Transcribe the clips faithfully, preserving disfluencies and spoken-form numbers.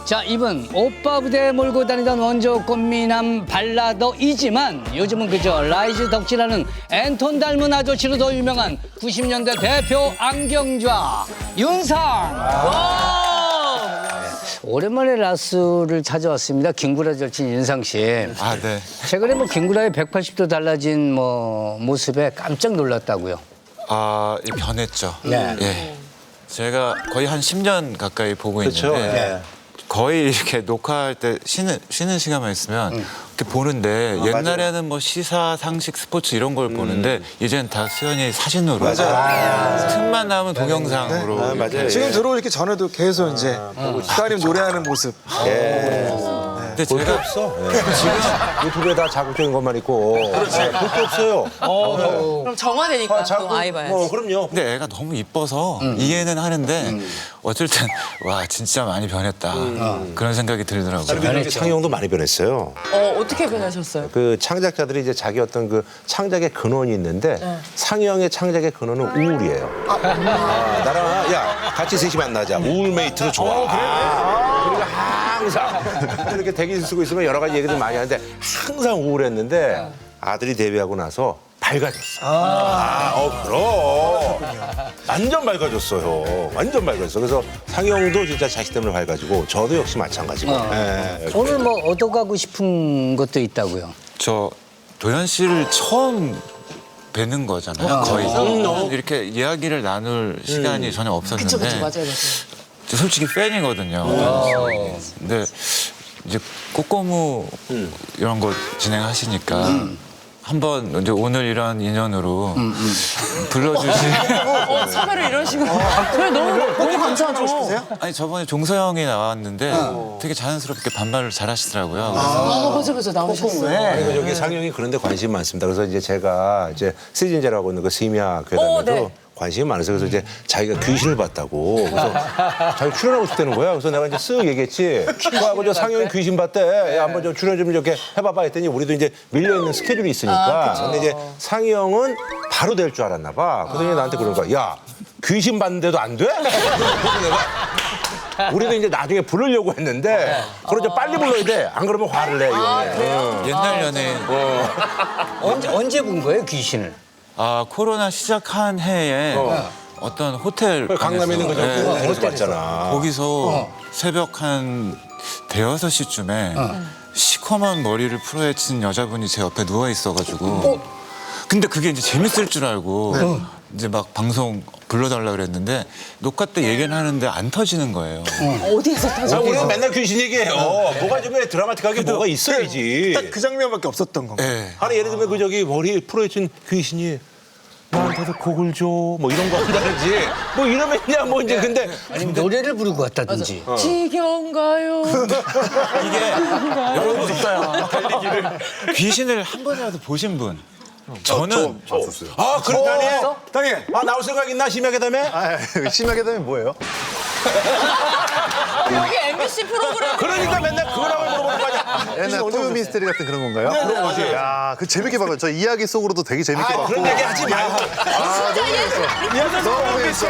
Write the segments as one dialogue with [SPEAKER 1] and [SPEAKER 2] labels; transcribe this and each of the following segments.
[SPEAKER 1] 자, 이분 오빠 부대에 몰고 다니던 원조 꽃미남 발라더이지만 요즘은 그저 라이즈 덕질하는 앤톤 닮은 아저씨로 더 유명한 구십 년대 대표 안경좌 윤상. 오랜만에 라스를 찾아왔습니다. 김구라 절친 윤상 씨.
[SPEAKER 2] 아, 네.
[SPEAKER 1] 최근에 뭐 김구라의 백팔십 도 달라진 뭐 모습에 깜짝 놀랐다고요.
[SPEAKER 2] 아, 예, 변했죠.
[SPEAKER 1] 네.
[SPEAKER 2] 예. 제가 거의 한 십 년 가까이 보고
[SPEAKER 3] 그렇죠.
[SPEAKER 2] 있는데
[SPEAKER 3] 네.
[SPEAKER 2] 거의 이렇게 녹화할 때 쉬는 쉬는 시간만 있으면 이렇게 보는데 옛날에는 뭐 시사, 상식, 스포츠 이런 걸 보는데 이제는 다 수연이 사진으로
[SPEAKER 3] 맞아요.
[SPEAKER 2] 틈만 나오면 동영상으로.
[SPEAKER 3] 아, 맞아요.
[SPEAKER 2] 이렇게.
[SPEAKER 4] 지금 들어오기 전에도 계속 이제 따님 노래하는 모습.
[SPEAKER 2] 근데
[SPEAKER 3] 볼게
[SPEAKER 2] 제가
[SPEAKER 3] 없어. 지금 유튜브에 다 자극적인 것만 있고. 그렇지. 볼게 없어요.
[SPEAKER 5] 그럼 정화되니까 또 아이 봐야지.
[SPEAKER 3] 뭐 그럼요.
[SPEAKER 2] 근데 애가 너무 이뻐서 이해는 하는데 어쩔 땐 와 진짜 많이 변했다 그런 생각이 들더라고요.
[SPEAKER 3] 그리고 상영도 많이 변했어요.
[SPEAKER 5] 어, 어떻게 변하셨어요?
[SPEAKER 3] 그 창작자들이 이제 자기 어떤 그 창작의 근원이 있는데 상영의 창작의 근원은 우울이에요. 아, 나랑 야 같이 셋이 만나자. 우울 메이트로 좋아. 아, 그리고 항상 이렇게 대기실 쓰고 있으면 여러 가지 얘기들 많이 하는데 항상 우울했는데 아들이 데뷔하고 나서 밝아졌어. 아, 어, 그럼. 완전 밝아졌어요. 완전 밝아졌어. 그래서 상영도 진짜 자식 때문에 밝아지고 저도 역시 마찬가지고.
[SPEAKER 1] 어.
[SPEAKER 3] 예.
[SPEAKER 1] 오늘 뭐 얻어가고 싶은 것도 있다고요.
[SPEAKER 2] 저 도현 씨를 처음 뵙는 거잖아요. 거의 이렇게 이야기를 나눌 시간이 전혀 없었는데
[SPEAKER 5] 그쵸, 그쵸, 맞아요, 맞아요.
[SPEAKER 2] 저 솔직히 팬이거든요. 근데 이제 꼬꼬무 이런 거 진행하시니까 한번 이제 오늘 이런 인연으로 불러주시.
[SPEAKER 5] 어, 섭외를 이런 식으로. 그래, 너무, 너무 감사하죠.
[SPEAKER 2] 아니 저번에 종서형이 나왔는데 되게 자연스럽게 반말을 잘하시더라고요. 그래서
[SPEAKER 5] 아, 맞아, 맞아, 나오셨어요.
[SPEAKER 3] 그리고 여기 상영이 그런데 관심이 많습니다. 그래서 이제 제가 이제 시즌제라고 있는 그 심야 괴담에도
[SPEAKER 5] 어, 네.
[SPEAKER 3] 관심이 많아서 그래서 이제 자기가 귀신을 봤다고 그래서 자기 출연하고 싶다는 거야. 그래서 내가 이제 쓱 얘기했지. 그하고 저 상영이 귀신 봤대. 야, 한번 좀 출연 좀 이렇게 해봐봐 했더니 우리도 이제 밀려 있는 스케줄이 있으니까. 근데 이제 상영은 바로 될 줄 알았나 봐. 그러더니 나한테 그런 거야. 야, 귀신 봤는데도 안 돼? 그래서 내가 우리도 이제 나중에 부르려고 했는데 그걸 좀 빨리 불러야 돼. 안 그러면 화를 내. 이거는.
[SPEAKER 2] 옛날 연예인
[SPEAKER 1] 언제 언제 본 거예요, 귀신을?
[SPEAKER 2] 아 코로나 시작한 해에 어. 떤 호텔
[SPEAKER 3] 강남에 있는 거죠.
[SPEAKER 2] 네.
[SPEAKER 3] 호텔에서 봤잖아.
[SPEAKER 2] 거기서 새벽 한 대여섯 시쯤에 시커먼 머리를 풀어헤친 여자분이 제 옆에 누워 있어가지고 근데 그게 이제 재밌을 줄 알고 이제 막 방송 불러달라 그랬는데 녹화 때 얘기는 하는데 안 터지는 거예요.
[SPEAKER 5] 어디에서 타죠?
[SPEAKER 3] 자, 우리는 맨날 귀신 얘기해요. 뭐가 좀 드라마틱하게 뭐가 있어야지.
[SPEAKER 4] 딱 그 장면밖에 없었던 거.
[SPEAKER 2] 네.
[SPEAKER 3] 아니 예를 들면 그 저기 머리 풀어헤친 귀신이 나한테도 곡을 줘 뭐 이런 거 한다든지 뭐 이러면야 뭐 이제 근데
[SPEAKER 1] 아니면 노래를 부르고 왔다든지.
[SPEAKER 5] 지겨운가요?
[SPEAKER 2] 이게 여러분 달리기를 귀신을 한 번이라도 보신 분? 저는
[SPEAKER 3] 아 그래 다니 다니 아 나올 생각 있나 심하게 다음에
[SPEAKER 6] 아, 심하게 되면 뭐예요?
[SPEAKER 5] 여기 엠비씨 프로그램.
[SPEAKER 3] 그러니까 맨날 그거라고 물어보는 거 아니야.
[SPEAKER 6] 옛날 토요 미스테리 같은 그런 건가요? 그런 거지. 야, 그 재밌게 봤어요. 저 이야기 속으로도 되게 재밌게
[SPEAKER 3] 아
[SPEAKER 6] 봤고.
[SPEAKER 3] 그런 얘기 하지 마.
[SPEAKER 5] 진짜 예술.
[SPEAKER 6] 너무 재밌어.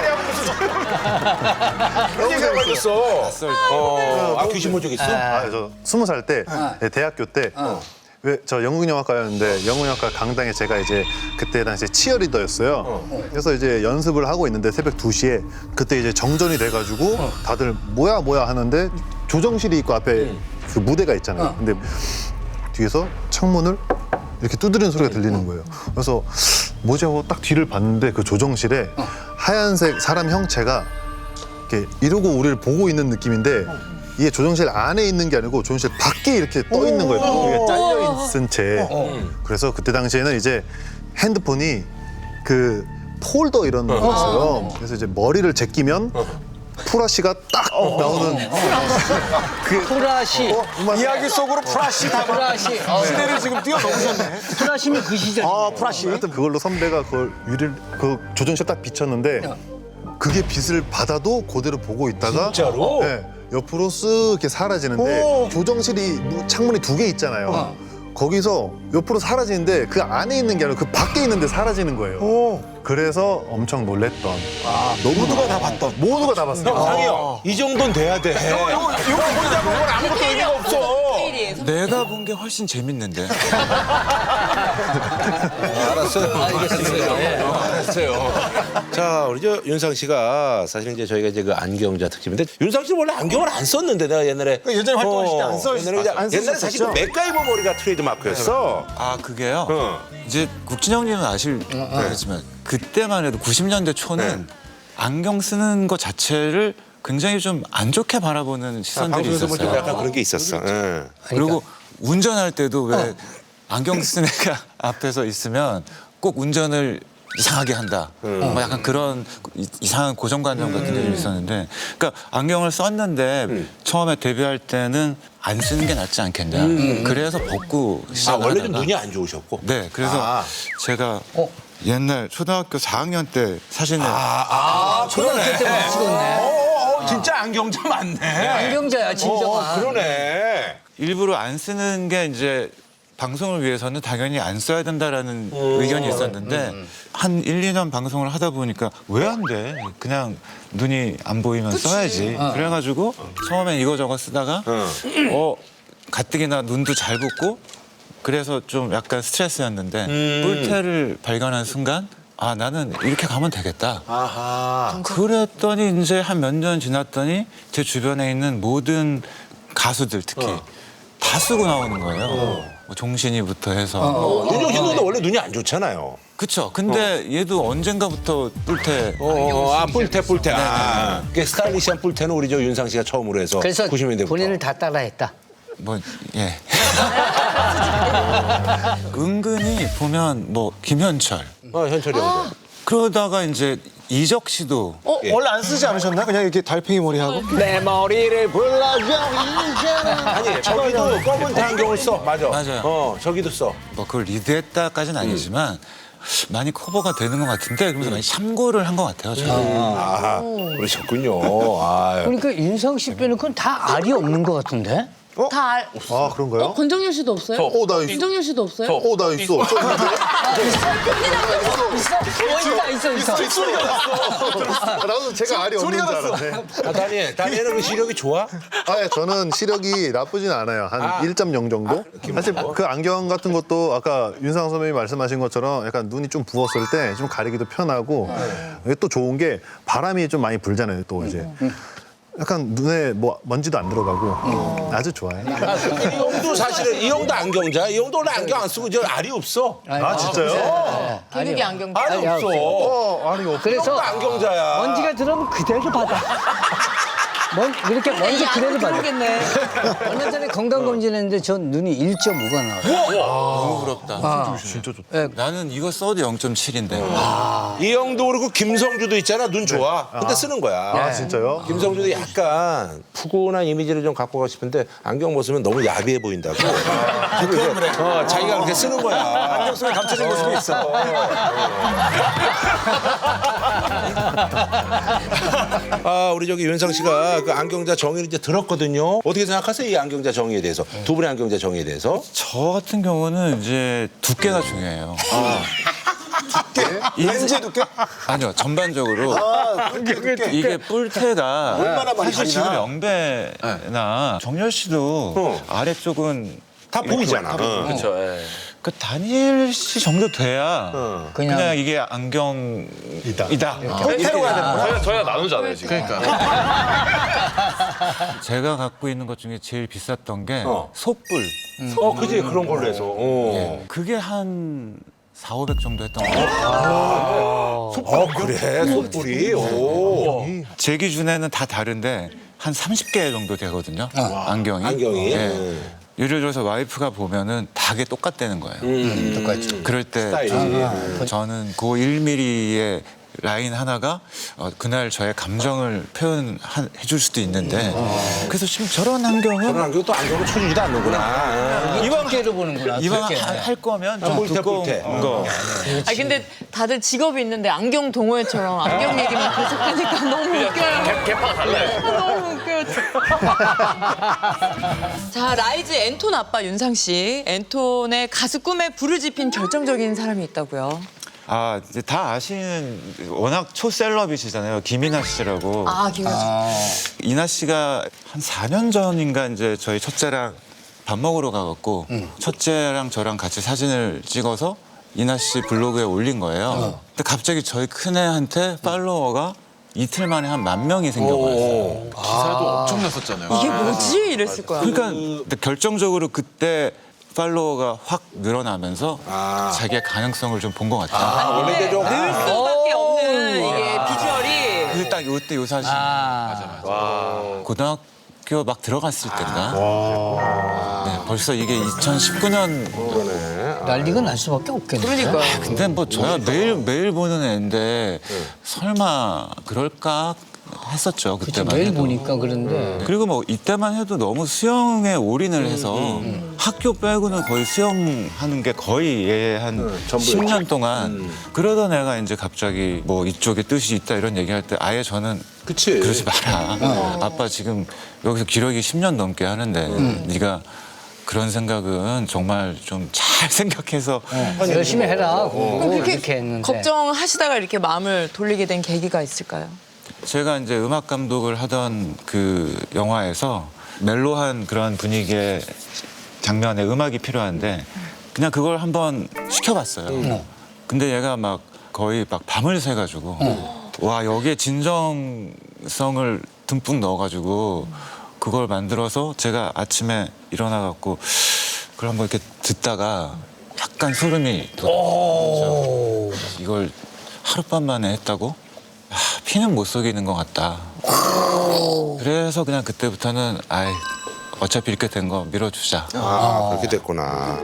[SPEAKER 3] 그런 얘기 하고 있었어. 아 귀신 본 적 있어?
[SPEAKER 6] 아, 저 스무 살 때 네, 대학교 때. 왜 저 영국영화과였는데 영국영화과 강당에 제가 이제 그때 당시에 치어리더였어요. 그래서 이제 연습을 하고 있는데 새벽 두 시에 그때 이제 정전이 돼가지고 다들 뭐야 뭐야 하는데 조정실이 있고 앞에 그 무대가 있잖아요. 근데 뒤에서 창문을 이렇게 두드리는 소리가 들리는 거예요. 그래서 뭐지 하고 딱 뒤를 봤는데 그 조정실에 하얀색 사람 형체가 이렇게 이러고 우리를 보고 있는 느낌인데 이게 조정실 안에 있는 게 아니고 조정실 밖에 이렇게 떠 있는 거예요. 이게 잘려 있은 채. 그래서 그때 당시에는 이제 핸드폰이 그 폴더 이런 거 있어요. 그래서 이제 머리를 제끼면 프라시가 딱 나오는 그
[SPEAKER 1] 프라시.
[SPEAKER 4] 이야기 속으로 프라시 다
[SPEAKER 1] 프라시. 어,
[SPEAKER 4] 시대를 지금 뛰어넘으셨네.
[SPEAKER 1] 프라시면 그 시절.
[SPEAKER 6] 아, 프라시. 하여튼 그걸로 선배가 그걸 유리를 그 조정실 딱 비쳤는데 그게 빛을 받아도 그대로 보고 있다가
[SPEAKER 3] 진짜로?
[SPEAKER 6] 네, 옆으로 쓱 이렇게 사라지는데 조정실이 무- 창문이 두 개 있잖아요. 거기서 옆으로 사라지는데 그 안에 있는 게 아니라 그 밖에 있는데 사라지는 거예요. 그래서 엄청 놀랬던.
[SPEAKER 3] 모두가 다 봤던.
[SPEAKER 6] 모두가 다 봤어요.
[SPEAKER 3] 형, 상이 형, 이 정도는 돼야 돼. 이거 혼자 보면 아무것도 의미가 없어.
[SPEAKER 2] 내가 본 게 훨씬 재밌는데.
[SPEAKER 3] 알았어요. 알겠어요. 알았어요. 자, 우리 저 윤상 씨가 사실 이제 저희가 이제 그 안경자 특집인데 윤상 씨는 원래 안경을 안 썼는데 내가 옛날에
[SPEAKER 4] 예전에 활동하실 때안 써-
[SPEAKER 3] 옛날에 그냥-
[SPEAKER 4] 안
[SPEAKER 3] 옛날에 사실 그
[SPEAKER 4] 썼었죠?
[SPEAKER 3] 맥가이버 머리가 트레이드 마크였어.
[SPEAKER 2] 아 그게요.
[SPEAKER 3] 어.
[SPEAKER 2] 이제 국진형님은 아실겠지만 그때만 해도 구십 년대 초는 안경 쓰는 것 자체를 굉장히 좀 안 좋게 바라보는 시선들이
[SPEAKER 3] 방송에서 볼 때
[SPEAKER 2] 있었어요.
[SPEAKER 3] 약간 그런 게 있었어. 예.
[SPEAKER 2] 그리고 운전할 때도 왜 안경 쓴 애가 앞에서 있으면 꼭 운전을 이상하게 한다. 뭐 약간 그런 이- 이상한 고정관념 같은 게 좀 있었는데, 그러니까 안경을 썼는데 처음에 데뷔할 때는 안 쓰는 게 낫지 않겠냐. 그래서 벗고
[SPEAKER 3] 아,
[SPEAKER 2] 시작을
[SPEAKER 3] 원래 좀
[SPEAKER 2] 하다가
[SPEAKER 3] 눈이 안 좋으셨고.
[SPEAKER 2] 네, 그래서
[SPEAKER 3] 아.
[SPEAKER 2] 제가 옛날 초등학교 사 학년 때 사진을
[SPEAKER 3] 아,
[SPEAKER 1] 초등학교 때부터 찍었네.
[SPEAKER 3] 어, 어, 진짜 안경자 맞네.
[SPEAKER 1] 안경자야, 진정한.
[SPEAKER 3] 어, 그러네.
[SPEAKER 2] 일부러 안 쓰는 게 이제 방송을 위해서는 당연히 안 써야 된다라는 의견이 있었는데 한 일, 이 년 방송을 하다 보니까 왜 안 돼? 그냥 눈이 안 보이면 써야지. 그래가지고 처음엔 이거저거 쓰다가 어 가뜩이나 눈도 잘 붓고 그래서 좀 약간 스트레스였는데 뿔테를 발견한 순간 아 나는 이렇게 가면 되겠다.
[SPEAKER 3] 아하.
[SPEAKER 2] 그랬더니 이제 한 몇 년 지났더니 제 주변에 있는 모든 가수들 특히 다 쓰고 나오는 거예요. 뭐 종신이부터 해서.
[SPEAKER 3] 윤종 씨도 원래 눈이 안 좋잖아요.
[SPEAKER 2] 그쵸. 근데 얘도 언젠가부터 뿔테.
[SPEAKER 3] 어, 아, 뿔테, 뿔테. 아, 그 스타일리시한 뿔테는 우리 저 윤상 씨가 처음으로 해서
[SPEAKER 1] 그래서
[SPEAKER 3] 구십 년대부터.
[SPEAKER 1] 본인을 다 따라했다.
[SPEAKER 2] 뭐, 예. 은근히 보면 뭐 김현철.
[SPEAKER 3] 어, 현철이 형도.
[SPEAKER 2] 그러다가 이제 이적 씨도
[SPEAKER 4] 어? 원래 안 쓰지 않으셨나? 그냥 이렇게 달팽이 머리하고?
[SPEAKER 3] 내 머리를 불러줘 이제는. 아니, 저기도 검은 테 안경을 써. 맞아.
[SPEAKER 2] 맞아요.
[SPEAKER 3] 어, 저기도 써.
[SPEAKER 2] 뭐 그걸 리드했다까지는 아니지만 많이 커버가 되는 것 같은데 그러면서 많이 참고를 한 것 같아요. 저는.
[SPEAKER 3] 아, 그러셨군요. 아,
[SPEAKER 1] 그러니까 윤상 씨 빼놓고는 다 알이 없는 것 같은데?
[SPEAKER 5] 다 알.
[SPEAKER 6] 아, 그런가요?
[SPEAKER 5] 어, 권정열 씨도 없어요?
[SPEAKER 6] 어, 나 있어.
[SPEAKER 5] 권정열 씨도 없어요?
[SPEAKER 6] 어, 나 있어. 저
[SPEAKER 1] 있어, 있어, 있어.
[SPEAKER 6] 나도 제가 알이 없는 줄 알았네.
[SPEAKER 3] 아, 다니엘. 다니엘은 그 시력이 좋아?
[SPEAKER 6] 아, 예, 저는 시력이 나쁘진 않아요. 한
[SPEAKER 3] 아.
[SPEAKER 6] 일 점 영 정도? 사실 그 안경 같은 것도 아까 윤상 선배님이 말씀하신 것처럼 약간 눈이 좀 부었을 때 좀 가리기도 편하고 이게 또 좋은 게 바람이 좀 많이 불잖아요, 또 이제. 약간 눈에 뭐 먼지도 안 들어가고 아주 좋아요.
[SPEAKER 3] 이 형도 사실은 이 형도 안경자. 이 형도 원래 안경 안 쓰고 저 알이 없어.
[SPEAKER 6] 아, 진짜요?
[SPEAKER 5] 개그기 안경자.
[SPEAKER 3] 알이 없어.
[SPEAKER 6] 어, 아니, 없
[SPEAKER 1] 그래서
[SPEAKER 3] 형도 안경자야.
[SPEAKER 1] 먼지가 들어오면 그대로 받아. 먼, 이렇게 먼지 그대로 받아.
[SPEAKER 5] 모르겠네.
[SPEAKER 1] 얼마 전에 건강검진했는데 전 눈이 일 점 오가 나와요.
[SPEAKER 2] 너무 부럽다.
[SPEAKER 6] 진짜 좋다.
[SPEAKER 2] 나는 이거 써도 영 점 칠인데.
[SPEAKER 3] 이 형도 그렇고 김성주도 있잖아. 눈 좋아. 근데 쓰는 거야.
[SPEAKER 6] 아, 진짜요?
[SPEAKER 3] 김성주도 약간 푸근한 이미지를 좀 갖고 가고 싶은데 안경 벗으면 너무 야비해 보인다고. 그건 그래. 어, 자기가 그렇게 쓰는 거야. 안경
[SPEAKER 4] 쓰면 감춰진 모습이 있어.
[SPEAKER 3] 아, 우리 저기 윤상 씨가 그 안경자 정의를 이제 들었거든요. 어떻게 생각하세요? 이 안경자 정의에 대해서. 두 분의 안경자 정의에 대해서.
[SPEAKER 2] 저 같은 경우는 이제 두께가 중요해요.
[SPEAKER 4] 렌즈 두께?
[SPEAKER 2] 아니요, 전반적으로. 이게 뿔테가 사실 지금 영배나 정열 씨도
[SPEAKER 3] 어.
[SPEAKER 2] 아래쪽은
[SPEAKER 3] 다 보이잖아.
[SPEAKER 2] 그렇죠. 그 다니엘 씨 정도 돼야 그냥,
[SPEAKER 1] 그냥
[SPEAKER 2] 이게 안경이다.
[SPEAKER 4] 뿔테로 가야 되는 거야?
[SPEAKER 7] 저희가 나누잖아요 지금.
[SPEAKER 2] 제가 갖고 있는 것 중에 제일 비쌌던 게
[SPEAKER 3] 어.
[SPEAKER 2] 솥불.
[SPEAKER 3] 어, 그지 그런 걸로 해서. 어.
[SPEAKER 2] 그게 한 사오백 정도 했던 것 같아요.
[SPEAKER 3] 어, 그래. 손불이. 오.
[SPEAKER 2] 제 기준에는 다 다른데 한 삼십 개 정도 되거든요. 안경이.
[SPEAKER 3] 안경이.
[SPEAKER 2] 예. 예를 들어서 와이프가 보면은 다게 똑같다는 거예요.
[SPEAKER 1] 똑같이.
[SPEAKER 2] 그럴 때
[SPEAKER 3] 스타일이.
[SPEAKER 2] 저는, 저는 그 일 밀리미터의 라인 하나가 어, 그날 저의 감정을 표현해 줄 수도 있는데 그래서 지금 저런 안경은
[SPEAKER 3] 저런 안경 또 안경을 쳐주지도 않는구나.
[SPEAKER 1] 이번 두께로 보는구나.
[SPEAKER 2] 이왕
[SPEAKER 1] 두께.
[SPEAKER 2] 하- 할 거면 좀
[SPEAKER 3] 뿔테,
[SPEAKER 2] 두꺼운
[SPEAKER 3] 뿔테.
[SPEAKER 2] 거.
[SPEAKER 5] 아 근데 다들 직업이 있는데 안경 동호회처럼 안경 얘기만 계속하니까 너무 웃겨요.
[SPEAKER 7] 개파가 달라요.
[SPEAKER 5] 너무 웃겨요. 자, 라이즈 앤톤 아빠 윤상 씨. 앤톤의 가수 꿈에 불을 지핀 결정적인 사람이 있다고요.
[SPEAKER 2] 아, 이제 다 아시는 워낙 초셀럽이시잖아요. 김이나 씨라고.
[SPEAKER 5] 아, 김현수.
[SPEAKER 2] 이나 씨가 한 사 년 전인가 이제 저희 첫째랑 밥 먹으러 가갖고 첫째랑 저랑 같이 사진을 찍어서 이나 씨 블로그에 올린 거예요. 근데 갑자기 저희 큰애한테 팔로워가 이틀 만에 한 만 명이 생겨버렸어요.
[SPEAKER 4] 기사도 엄청 났었잖아요.
[SPEAKER 5] 이게 뭐지? 이랬을 거야.
[SPEAKER 2] 그러니까 근데 결정적으로 그때 팔로워가 확 늘어나면서 자기의 가능성을 좀 본 것 같아요.
[SPEAKER 3] 아, 원래 이게 좀.
[SPEAKER 5] 늘 수밖에 없는 이게 비주얼이.
[SPEAKER 2] 그 딱 요때 요 사진.
[SPEAKER 1] 아,
[SPEAKER 2] 고등학교 막 들어갔을 때인가? 네, 벌써 이게 이천십구 년.
[SPEAKER 1] 난리가 날 수밖에 없겠네.
[SPEAKER 5] 그러니까.
[SPEAKER 2] 근데 뭐 저야 매일 매일 보는 애인데 설마 그럴까 했었죠
[SPEAKER 1] 그치,
[SPEAKER 2] 그때만
[SPEAKER 1] 매일
[SPEAKER 2] 해도.
[SPEAKER 1] 보니까 그런데.
[SPEAKER 2] 그리고 뭐 이때만 해도 너무 수영에 올인을 해서 학교 빼고는 거의 수영하는 게 거의 얘한 십 년 동안 그러던 애가 이제 갑자기 뭐 이쪽에 뜻이 있다 이런 얘기할 때 아예 저는
[SPEAKER 3] 그치.
[SPEAKER 2] 그러지 마라. 아빠 지금 여기서 기러기 십 년 넘게 하는데 네가 그런 생각은 정말 좀 잘 생각해서
[SPEAKER 1] 열심히 해라. 공부
[SPEAKER 5] 그럼
[SPEAKER 1] 이렇게
[SPEAKER 5] 그렇게
[SPEAKER 1] 했는데.
[SPEAKER 5] 걱정하시다가 이렇게 마음을 돌리게 된 계기가 있을까요?
[SPEAKER 2] 제가 이제 음악 감독을 하던 그 영화에서 멜로한 그런 분위기의 장면에 음악이 필요한데 그냥 그걸 한번 시켜봤어요. 근데 얘가 막 거의 막 밤을 새가지고 와 여기에 진정성을 듬뿍 넣어가지고 그걸 만들어서 제가 아침에 일어나갖고 그걸 한번 이렇게 듣다가 약간 소름이 돋았죠. 이걸 하룻밤 만에 했다고? 아, 피는 못 속이는 것 같다. 그래서 그냥 그때부터는 아이 어차피 이렇게 된 거 밀어주자.
[SPEAKER 3] 아, 그렇게 됐구나.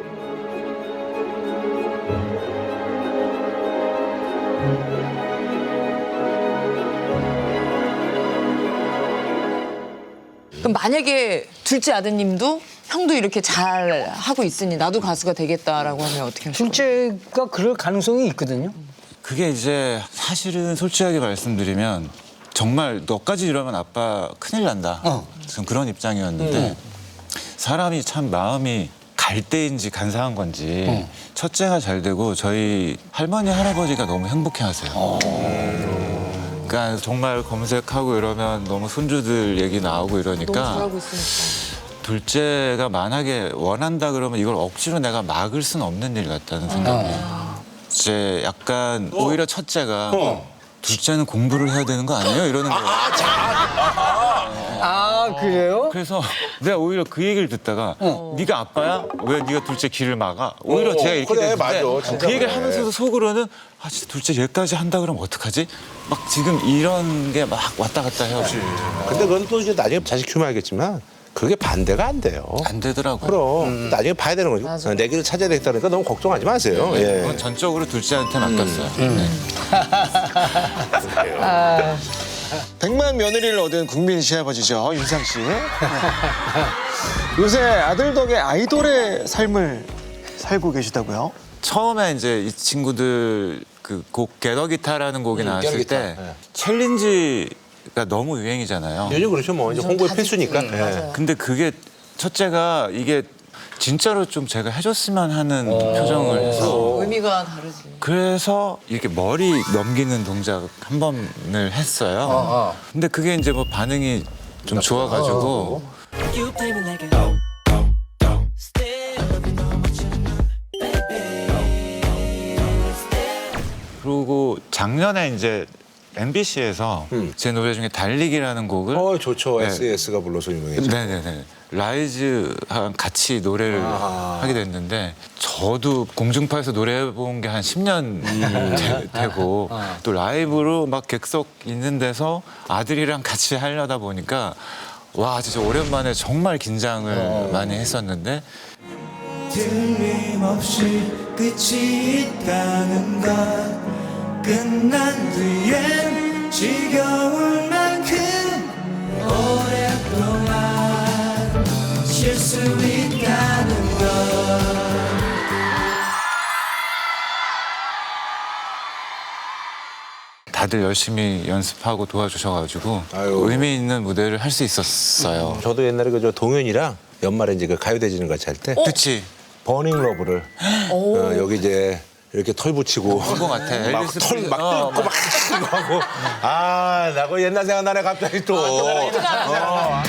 [SPEAKER 5] 그럼 만약에 둘째 아드님도 형도 이렇게 잘 하고 있으니 나도 가수가 되겠다라고 하면 어떻게 하실까요?
[SPEAKER 1] 둘째가 그럴 가능성이 있거든요.
[SPEAKER 2] 그게 이제 사실은 솔직하게 말씀드리면 정말 너까지 이러면 아빠 큰일 난다.
[SPEAKER 1] 어.
[SPEAKER 2] 전 그런 입장이었는데 사람이 참 마음이 갈 때인지 간사한 건지 첫째가 잘 되고 저희 할머니 할아버지가 너무 행복해하세요. 그러니까 정말 검색하고 이러면 너무 손주들 얘기 나오고 이러니까
[SPEAKER 5] 너무 잘하고 있으니까.
[SPEAKER 2] 둘째가 만약에 원한다 그러면 이걸 억지로 내가 막을 수는 없는 일 같다는 생각이 이제 약간 오히려 첫째가 둘째는 공부를 해야 되는 거 아니에요? 이러는 거예요.
[SPEAKER 1] 아, 그래요?
[SPEAKER 2] 그래서 내가 오히려 그 얘기를 듣다가 네가 아빠야? 왜 네가 둘째 길을 막아? 오히려 제가 이렇게
[SPEAKER 3] 그래,
[SPEAKER 2] 됐는데
[SPEAKER 3] 맞아. 진짜
[SPEAKER 2] 그 얘기를
[SPEAKER 3] 그래.
[SPEAKER 2] 하면서도 속으로는 아 진짜 둘째 얘까지 한다 그러면 어떡하지? 막 지금 이런 게 막 왔다 갔다 해요.
[SPEAKER 3] 근데 그건 또 이제 나중에 자식 키우면 알겠지만 그게 반대가 안 돼요.
[SPEAKER 2] 안 되더라고요.
[SPEAKER 3] 그럼 나중에 봐야 되는 거죠.
[SPEAKER 5] 맞아.
[SPEAKER 3] 내 길을 찾아야 되겠다 그러니까 너무 걱정하지 마세요. 예.
[SPEAKER 2] 그건 전적으로 둘째한테 맡겼어요. 네.
[SPEAKER 4] 백만 며느리를 얻은 국민 시아버지죠, 윤상 씨. 요새 아들 덕에 아이돌의 삶을 살고 계시다고요?
[SPEAKER 2] 처음에 이제 이 친구들 그 곡 게더기타라는 곡이 나왔을
[SPEAKER 3] 게더기타.
[SPEAKER 2] 때
[SPEAKER 3] 네.
[SPEAKER 2] 챌린지가 너무 유행이잖아요.
[SPEAKER 3] 요즘 그렇죠 뭐 이제 홍보의 필수니까. 예.
[SPEAKER 2] 근데 그게 첫째가 이게 진짜로 좀 제가 해줬으면 하는 표정을 해서
[SPEAKER 5] 의미가 다르지.
[SPEAKER 2] 그래서 이렇게 머리 넘기는 동작 한 번을 했어요. 근데 그게 이제 뭐 반응이 좀 좋아가지고
[SPEAKER 7] You play me like a
[SPEAKER 2] 그리고 작년에 이제 엠비씨에서 제 노래 중에 달리기라는 곡을
[SPEAKER 3] 어 좋죠.
[SPEAKER 2] 네.
[SPEAKER 3] 에스에스가 불러서 유명해죠.
[SPEAKER 2] 네네네. 라이즈랑 같이 노래를 하게 됐는데 저도 공중파에서 노래해본 게 한 십 년 되고 또 라이브로 막 객석 있는 데서 아들이랑 같이 하려다 보니까 와 진짜 오랜만에 정말 긴장을 많이 했었는데
[SPEAKER 7] 틀림없이 끝이 있다는 것 끝난 뒤엔 지겨울 만큼 오랫동안 쉴 수 있다는 것
[SPEAKER 2] 다들 다들 열심히 연습하고 도와주셔가지고
[SPEAKER 3] 아유.
[SPEAKER 2] 의미 있는 무대를 할 수 있었어요.
[SPEAKER 3] 저도 옛날에 그저 동현이랑 연말에 이제 그 가요대지는 같이 할 때
[SPEAKER 2] 그치?
[SPEAKER 3] 버닝 러브를 어, 여기 이제 이렇게 털 붙이고
[SPEAKER 2] 그거 같아. 엘비스 프레슬리.
[SPEAKER 3] 막털막
[SPEAKER 2] 어,
[SPEAKER 3] 뜯고 막 이거 하고 아, 나 그 옛날 생각나네 갑자기 또. 어.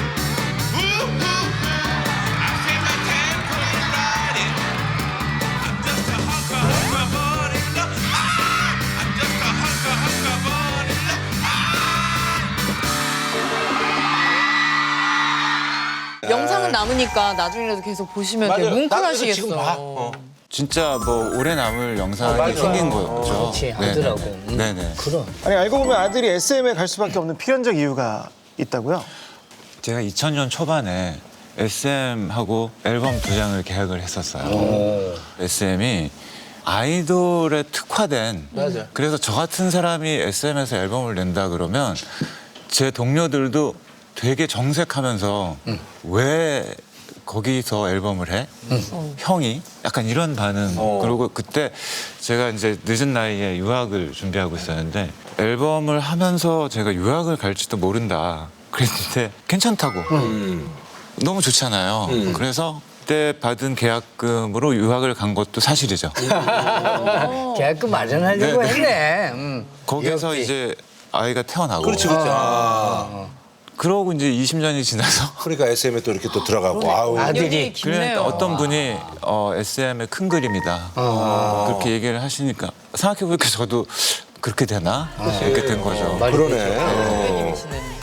[SPEAKER 5] 영상은 남으니까 나중에라도 계속 보시면 되게
[SPEAKER 3] 맞아요.
[SPEAKER 5] 뭉클하시겠어.
[SPEAKER 3] 지금 봐. 어.
[SPEAKER 2] 진짜 뭐 오래 남을 영상이
[SPEAKER 3] 맞아.
[SPEAKER 2] 생긴 거죠.
[SPEAKER 1] 그렇지, 하더라고. 음.
[SPEAKER 2] 네네.
[SPEAKER 1] 그럼.
[SPEAKER 4] 아니 알고 보면 아들이 에스엠에 갈 수밖에 없는 필연적 이유가 있다고요?
[SPEAKER 2] 제가 이천 년 초반에 에스엠하고 앨범 두 장을 계약을 했었어요. 에스엠이 아이돌에 특화된.
[SPEAKER 3] 맞아.
[SPEAKER 2] 그래서 저 같은 사람이 에스엠에서 앨범을 낸다 그러면 제 동료들도 되게 정색하면서 왜 거기서 앨범을 해? 형이? 약간 이런 반응.
[SPEAKER 3] 어.
[SPEAKER 2] 그리고 그때 제가 이제 늦은 나이에 유학을 준비하고 있었는데 앨범을 하면서 제가 유학을 갈지도 모른다. 그랬는데 괜찮다고.
[SPEAKER 3] 음.
[SPEAKER 2] 너무 좋잖아요. 그래서 그때 받은 계약금으로 유학을 간 것도 사실이죠.
[SPEAKER 1] 계약금 마련하려고
[SPEAKER 2] 네.
[SPEAKER 1] 했네. 음.
[SPEAKER 2] 거기서
[SPEAKER 1] 귀엽지.
[SPEAKER 2] 이제 아이가 태어나고.
[SPEAKER 3] 그렇지, 그렇지. 아.
[SPEAKER 2] 그러고 이제 이십 년이 지나서
[SPEAKER 3] 그러니까 에스엠에 또 이렇게 또 들어가고. 아우.
[SPEAKER 1] 아들이.
[SPEAKER 2] 그러니까
[SPEAKER 5] 깊네요.
[SPEAKER 2] 어떤 분이 어, 에스엠의 큰 그림이다. 그렇게 얘기를 하시니까 생각해보니까 저도 그렇게 되나? 이렇게 된 거죠.
[SPEAKER 3] 그러네. 어.
[SPEAKER 5] 선배님이시는.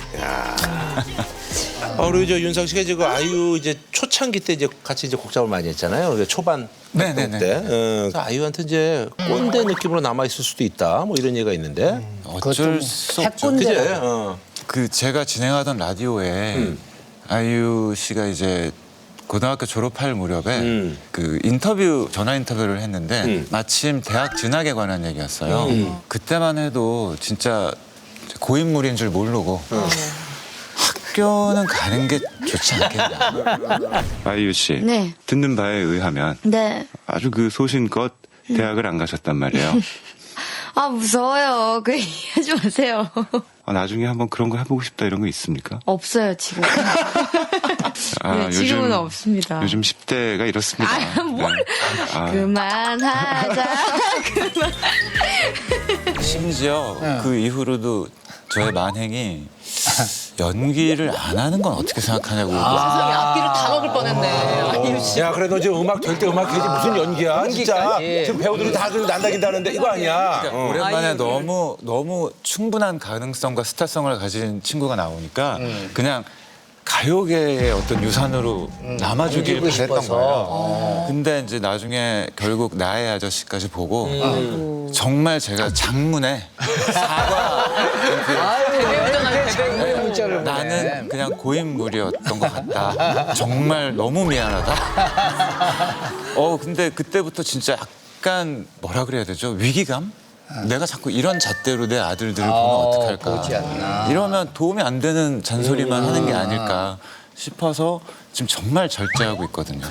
[SPEAKER 3] 아, 그리고 저 윤상 씨가 지금 아이유 이제 초창기 때 이제 같이 이제 곡 작업을 많이 했잖아요. 그러니까 초반
[SPEAKER 2] 네네네.
[SPEAKER 3] 활동 때. 어, 그래서 아이유한테 이제 꼰대 느낌으로 남아 있을 수도 있다. 뭐 이런 얘기가 있는데.
[SPEAKER 2] 어쩔 수 없죠.
[SPEAKER 3] 그제?
[SPEAKER 1] 핵꼰대.
[SPEAKER 3] 어.
[SPEAKER 2] 그 제가 진행하던 라디오에 아이유 씨가 이제 고등학교 졸업할 무렵에
[SPEAKER 3] 음.
[SPEAKER 2] 그 인터뷰 전화 인터뷰를 했는데
[SPEAKER 3] 음.
[SPEAKER 2] 마침 대학 진학에 관한 얘기였어요. 그때만 해도 진짜 고인물인 줄 모르고 학교는 가는 게 좋지 않겠냐.
[SPEAKER 8] 아이유 씨,
[SPEAKER 9] 네.
[SPEAKER 8] 듣는 바에 의하면
[SPEAKER 9] 네.
[SPEAKER 8] 아주 그 소신껏 대학을 안 가셨단 말이에요.
[SPEAKER 9] 아, 무서워요. 그 얘기하지 마세요.
[SPEAKER 8] 아, 나중에 한번 그런 거 해보고 싶다 이런 거 있습니까?
[SPEAKER 9] 없어요, 지금.
[SPEAKER 8] 아,
[SPEAKER 9] 네, 지금은 없습니다.
[SPEAKER 8] 요즘 십 대가 이렇습니다.
[SPEAKER 9] 아, 뭘.
[SPEAKER 8] 네. 아,
[SPEAKER 9] 그만하자. 그만.
[SPEAKER 2] 심지어 그 이후로도 저의 만행이 연기를 안 하는 건 어떻게 생각하냐고.
[SPEAKER 5] 세상에 앞길을 다 먹을 뻔했네. 아이유 씨.
[SPEAKER 3] 야, 그래 너 지금 음악 될 때 음악 해야지 무슨 연기야? 진짜.
[SPEAKER 1] 연기까지.
[SPEAKER 3] 지금 배우들이 다 그렇게 난다긴다는데 이거 아니야. 어.
[SPEAKER 2] 오랜만에 너무 너무 충분한 가능성과 스타성을 가진 친구가 나오니까 그냥 가요계의 어떤 유산으로 남아주길
[SPEAKER 1] 남기고
[SPEAKER 2] 바랬던
[SPEAKER 1] 싶어서.
[SPEAKER 2] 거예요. 근데 이제 나중에 결국 나의 아저씨까지 보고 정말 제가 장문에 사과
[SPEAKER 5] 대배우잖아요, 대배우.
[SPEAKER 1] 문자를 보내.
[SPEAKER 2] 나는 그냥 고인물이었던 것 같다. 정말 너무 미안하다. 어 근데 그때부터 진짜 약간 뭐라 그래야 되죠? 위기감? 내가 자꾸 이런 잣대로 내 아들들을 보면 어떡할까.
[SPEAKER 1] 보지 않나.
[SPEAKER 2] 이러면 도움이 안 되는 잔소리만 하는 게 아닐까 싶어서 지금 정말 절제하고 있거든요.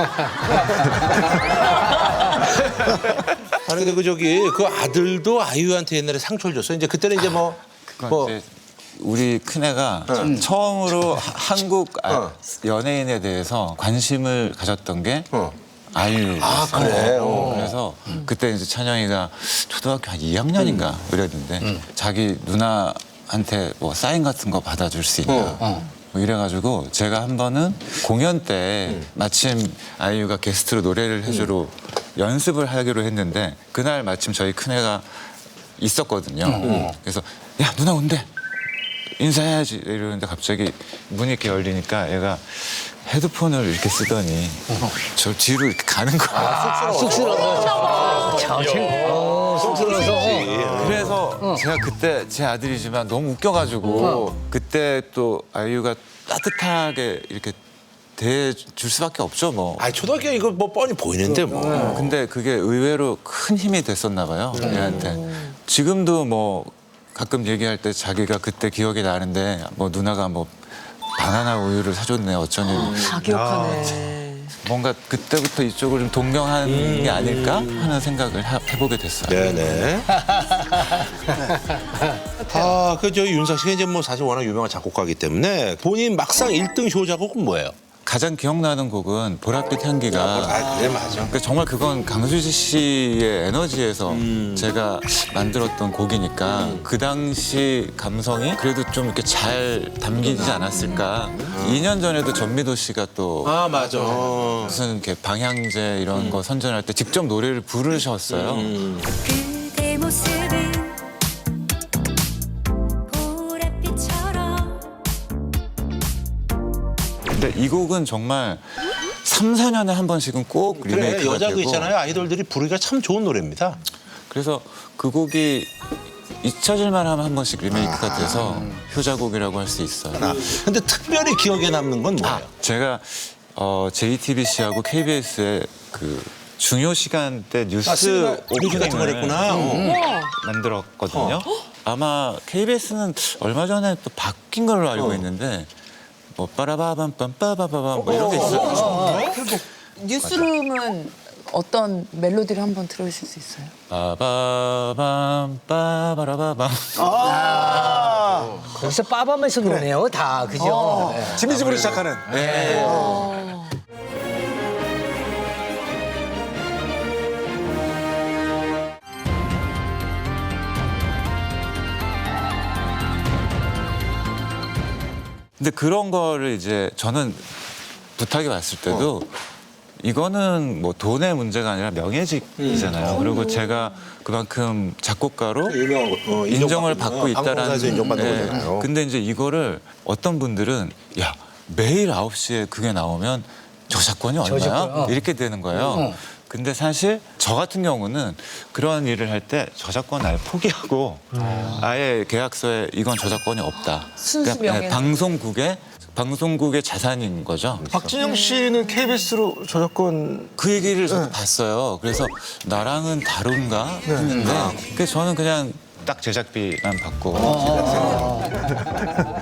[SPEAKER 3] 아니 근데 그 저기 그 아들도 아이유한테 옛날에 상처를 줬어. 이제 그때는 이제 뭐
[SPEAKER 2] 그건
[SPEAKER 3] 뭐
[SPEAKER 2] 이제 우리 큰애가 처음으로 하- 한국 아- 연예인에 대해서 관심을 가졌던 게
[SPEAKER 3] 어.
[SPEAKER 2] 아이유.
[SPEAKER 3] 아, 그래? 어.
[SPEAKER 2] 그래서 그때 이제 찬영이가 초등학교 한 이 학년인가 이랬는데 자기 누나한테 뭐 사인 같은 거 받아줄 수 있냐. 뭐 이래가지고 제가 한 번은 공연 때 마침 아이유가 게스트로 노래를 해주러 연습을 하기로 했는데 그날 마침 저희 큰애가 있었거든요. 그래서 야 누나 온대. 인사해야지 이러는데 갑자기 문이 이렇게 열리니까 얘가 헤드폰을 이렇게 쓰더니 저 뒤로 이렇게 가는 거야.
[SPEAKER 1] 쑥스러워서. 참, 생- 어, 쑥스러워서.
[SPEAKER 2] 그래서 제가 그때 제 아들이지만 너무 웃겨가지고 그때 또 아이유가 따뜻하게 이렇게 대해줄 수밖에 없죠 뭐.
[SPEAKER 3] 아니 초등학교 이거 뭐 뻔히 보이는데 뭐.
[SPEAKER 2] 근데 그게 의외로 큰 힘이 됐었나 봐요 얘한테. 지금도 뭐 가끔 얘기할 때 자기가 그때 기억이 나는데 뭐 누나가 뭐 바나나 우유를 사줬네 어쩌니.
[SPEAKER 5] 다 기억하네.
[SPEAKER 2] 뭔가 그때부터 이쪽을 좀 동경하는 게 아닐까 하는 생각을 하- 해보게 됐어요.
[SPEAKER 3] 네네. 아, 그 저 윤상 씨가 이제 뭐 사실 워낙 유명한 작곡가이기 때문에 본인 막상 일 등 효자곡은 뭐예요?
[SPEAKER 2] 가장 기억나는 곡은 보랏빛 향기가
[SPEAKER 3] 아, 그래 맞아.
[SPEAKER 2] 그러니까 정말 그건 강수지 씨의 에너지에서 제가 만들었던 곡이니까 그 당시 감성이 그래도 좀 이렇게 잘 담기지 않았을까. 이 년 전에도 전미도 씨가 또
[SPEAKER 3] 아 맞아.
[SPEAKER 2] 무슨 이렇게 방향제 이런 거 선전할 때 직접 노래를 부르셨어요.
[SPEAKER 10] 그대 모습은 보랏빛처럼
[SPEAKER 2] 근데 이 곡은 정말 삼, 사 년에 한 번씩은 꼭
[SPEAKER 3] 그래
[SPEAKER 2] 리메이크가
[SPEAKER 3] 여자
[SPEAKER 2] 되고
[SPEAKER 3] 그 있잖아요. 아이돌들이 부르기가 참 좋은 노래입니다.
[SPEAKER 2] 그래서 그 곡이 잊혀질만 하면 한 번씩 리메이크가 돼서 효자곡이라고 할 수 있어요.
[SPEAKER 3] 아, 근데 특별히 기억에 남는 건 뭐예요?
[SPEAKER 2] 제가 어, 제이티비씨하고 케이비에스의 그 중요 시간대 뉴스
[SPEAKER 3] 아, 시간- 뉴스 같은 걸
[SPEAKER 2] 오프닝을
[SPEAKER 3] 했구나.
[SPEAKER 2] 음,
[SPEAKER 3] 어.
[SPEAKER 2] 만들었거든요. 아마 케이비에스는 얼마 전에 또 바뀐 걸로 알고
[SPEAKER 3] 어.
[SPEAKER 2] 있는데 뭐 빠라바밤 빰빠바바밤 뭐 이런 게 있어요.
[SPEAKER 5] 뉴스룸은 어떤 멜로디를 한번 들어주실 수 있어요?
[SPEAKER 2] 빠바밤 빠바라바밤.
[SPEAKER 1] 거기서 빠밤에서 노네요, 다. 그죠? 네.
[SPEAKER 4] 지미집으로 시작하는.
[SPEAKER 2] 근데 그런 거를 이제 저는 부탁이 왔을 때도 이거는 뭐 돈의 문제가 아니라 명예직이잖아요. 그리고 제가 그만큼 작곡가로
[SPEAKER 3] 유명한 거, 어,
[SPEAKER 2] 인정을
[SPEAKER 3] 인정받고,
[SPEAKER 2] 받고
[SPEAKER 3] 어,
[SPEAKER 2] 있다라는.
[SPEAKER 3] 방송사에서 인정받는
[SPEAKER 2] 네.
[SPEAKER 3] 거잖아요.
[SPEAKER 2] 근데 이제 이거를 어떤 분들은 야 매일 아홉 시에 그게 나오면 저작권이 얼마야?
[SPEAKER 1] 저작권, 어.
[SPEAKER 2] 이렇게 되는 거예요.
[SPEAKER 1] 어.
[SPEAKER 2] 근데 사실 저 같은 경우는 그런 일을 할 때 저작권 아예 포기하고 아예 계약서에 이건 저작권이 없다.
[SPEAKER 5] 순수
[SPEAKER 2] 그러니까
[SPEAKER 5] 명예는.
[SPEAKER 2] 방송국의 방송국의 자산인 거죠.
[SPEAKER 4] 박진영 씨는 케이비에스로 저작권
[SPEAKER 2] 그 얘기를 저도 봤어요. 그래서 나랑은 다른가 했는데 그래서 저는 그냥 딱 제작비만 받고